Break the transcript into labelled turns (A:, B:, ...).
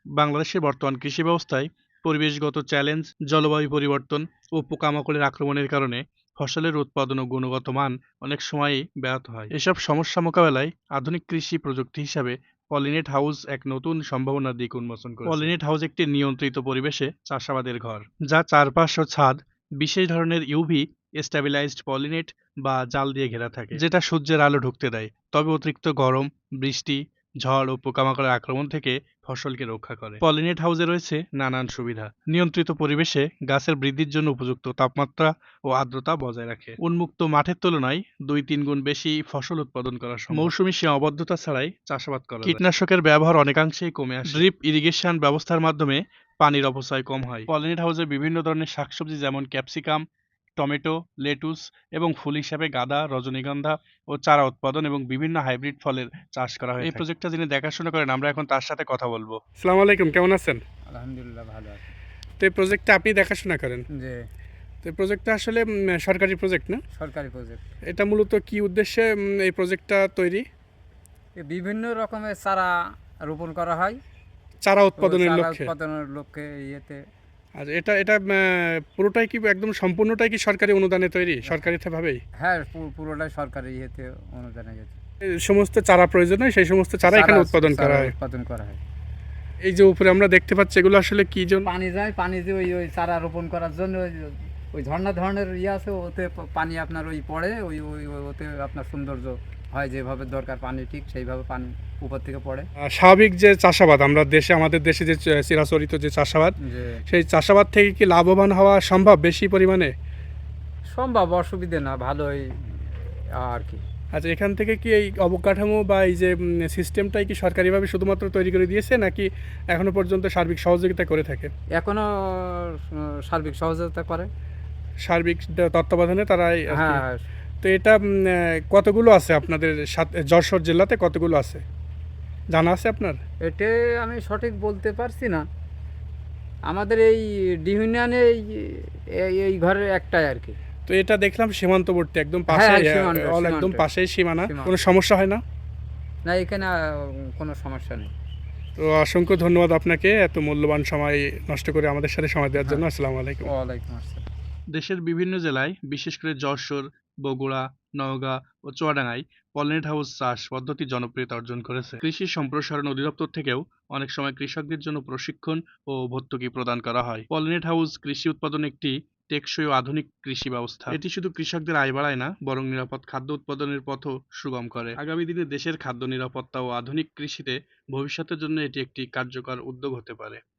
A: বাংলাদেশের বর্তমান কৃষি ব্যবস্থায় পরিবেশগত চ্যালেঞ্জ, জলবায়ু পরিবর্তন ও পোকামাকড়ের আক্রমণের কারণে ফসলের উৎপাদন ও গুণগত মান অনেক সময়ই ব্যাহত হয়। এসব সমস্যা মোকাবেলায় আধুনিক কৃষি প্রযুক্তি হিসাবে পলিনেট হাউস এক নতুন সম্ভাবনার দিক উন্মোচন করেছে। পলিনেট হাউস একটি নিয়ন্ত্রিত পরিবেশে চাষাবাদের ঘর, যা চারপাশ ও ছাদ বিশেষ ধরনের ইউভি স্ট্যাবিলাইজড পলিনেট বা জাল দিয়ে ঘেরা থাকে, যেটা সূর্যের আলো ঢুকতে দেয়, তবে অতিরিক্ত গরম, বৃষ্টি, ঝড় ও পোকামাকড়ের আক্রমণ থেকে ফসলকে রক্ষা করে। পলিনেট হাউসে রয়েছে নানান সুবিধা। নিয়ন্ত্রিত পরিবেশে গাছের বৃদ্ধির জন্য উপযুক্ত তাপমাত্রা ও আর্দ্রতা বজায় রাখে। উন্মুক্ত মাঠের তুলনায় ২-৩ গুণ বেশি ফসল উৎপাদন করা সম্ভব। মৌসুমী সীমাবদ্ধতা ছাড়াই চাষাবাদ করা যায়। কীটনাশকের ব্যবহার অনেকাংশেই কমে আসে। ড্রিপ ইরিগেশন ব্যবস্থার মাধ্যমে পানির অপচয় কম হয়। পলিনেট হাউসে বিভিন্ন ধরনের শাকসবজি যেমন ক্যাপসিকাম, টমেটো, লেটুস এবং ফুল হিসাবে গাঁদা, রজনীগন্ধা ও চারা উৎপাদন এবং বিভিন্ন হাইব্রিড ফলের চাষ করা হয়। এই প্রজেক্টটা যিনি দেখাশোনা করেন, আমরা এখন তার সাথে কথা বলবো। আসসালামু আলাইকুম, কেমন আছেন?
B: আলহামদুলিল্লাহ ভালো আছি।
A: তো এই প্রজেক্টটা আপনি দেখাশোনা করেন।
B: যে
A: তো এই প্রজেক্টটা আসলে সরকারি প্রজেক্ট না?
B: সরকারি প্রজেক্ট।
A: এটা মূলত কি উদ্দেশ্যে এই প্রজেক্টটা তৈরি?
B: বিভিন্ন রকমের চারা রোপণ করা হয়
A: চারা
B: তো
A: উৎপাদনের
B: চারা
A: লক্ষ্যে।
B: উৎপাদনের লক্ষ্যে ইয়েতে।
A: আর এটা এটা পুরোটাই কি একদম সম্পূর্ণটাই কি সরকারি অনুদানে তৈরি, সরকারিভাবেই?
B: হ্যাঁ, পুরোটাই সরকারি ইয়েতে অনুদানে গেছে।
A: এই সমস্ত চারা প্রয়োজন হয়, সেই সমস্ত চারা এখানে উৎপাদন করা হয়।
B: উৎপাদন করা হয়।
A: এই যে উপরে আমরা দেখতে পাচ্ছি, এগুলো আসলে কি জন্য?
B: পানি যায়, পানি দিয়ে ওই চারা রোপণ করার জন্য ওই ঝর্ণা ধরনের ইয়ে আছে, ওতে পানি আপনার ওই পড়ে, ওতে আপনার সৌন্দর্য হয়, যেভাবে দরকার পানি ঠিক সেইভাবে পানি উপর থেকে পড়ে।
A: স্বাভাবিক যে চাষাবাদ আমাদের দেশে যে চিরাচরিত যে চাষাবাদ,
B: যে
A: সেই চাষাবাদ থেকে কি লাভবান হওয়া সম্ভব বেশি পরিমাণে?
B: সম্ভব, অসুবিধে না, ভালোই আর কি।
A: আচ্ছা, এখান থেকে কি এই অবকাঠামো বা এই যে সিস্টেমটাই কি সরকারিভাবে শুধুমাত্র তৈরি করে দিয়েছে, নাকি এখনো পর্যন্ত সার্বিক সহযোগিতা করে থাকে?
B: এখনো সার্বিক সহযোগিতা করে।
A: সার্বিক তত্ত্বাবধানে তারাই আর কি।
B: হ্যাঁ,
A: তো এটা কতগুলো আছে আপনাদের যশোর জেলাতে, কতগুলো আছে জানা আছে আপনার?
B: এটা আমি সঠিক বলতে পারছি না। আমাদের এই ডিউনিয়নে এই ঘরের একটাই আর কি।
A: তো এটা দেখলাম সীমান্তবর্তী, একদম
B: হ্যাঁ,
A: পাশে,
B: সীমান্ত,
A: একদম পাশেই সীমানা।
B: সীমান্ত।
A: কোনো সমস্যা হয় না?
B: না, এখানে কোনো সমস্যা নেই।
A: তো অসংখ্য ধন্যবাদ আপনাকে এত মূল্যবান সময় নষ্ট করে আমাদের সাথে সময় দেওয়ার জন্য। আসসালামু আলাইকুম।
B: ওয়ালাইকুম আসসালাম।
A: দেশের বিভিন্ন জেলায়, বিশেষ করে যশোর, বগুড়া, নওগাঁ ও চুয়াডাঙ্গায় পলিনেট হাউস চাষ পদ্ধতি জনপ্রিয়তা অর্জন করেছে। কৃষি সম্প্রসারণ অধিদপ্তর থেকেও অনেক সময় কৃষকদের জন্য প্রশিক্ষণ ও ভর্তুকি প্রদান করা হয়। পলিনেট হাউস কৃষি উৎপাদন একটি টেকসই ও আধুনিক কৃষি ব্যবস্থা। এটি শুধু কৃষকদের আয় বাড়ায় না, বরং নিরাপদ খাদ্য উৎপাদনের পথও সুগম করে। আগামী দিনে দেশের খাদ্য নিরাপত্তা ও আধুনিক কৃষিতে ভবিষ্যতের জন্য এটি একটি কার্যকর উদ্যোগ হতে পারে।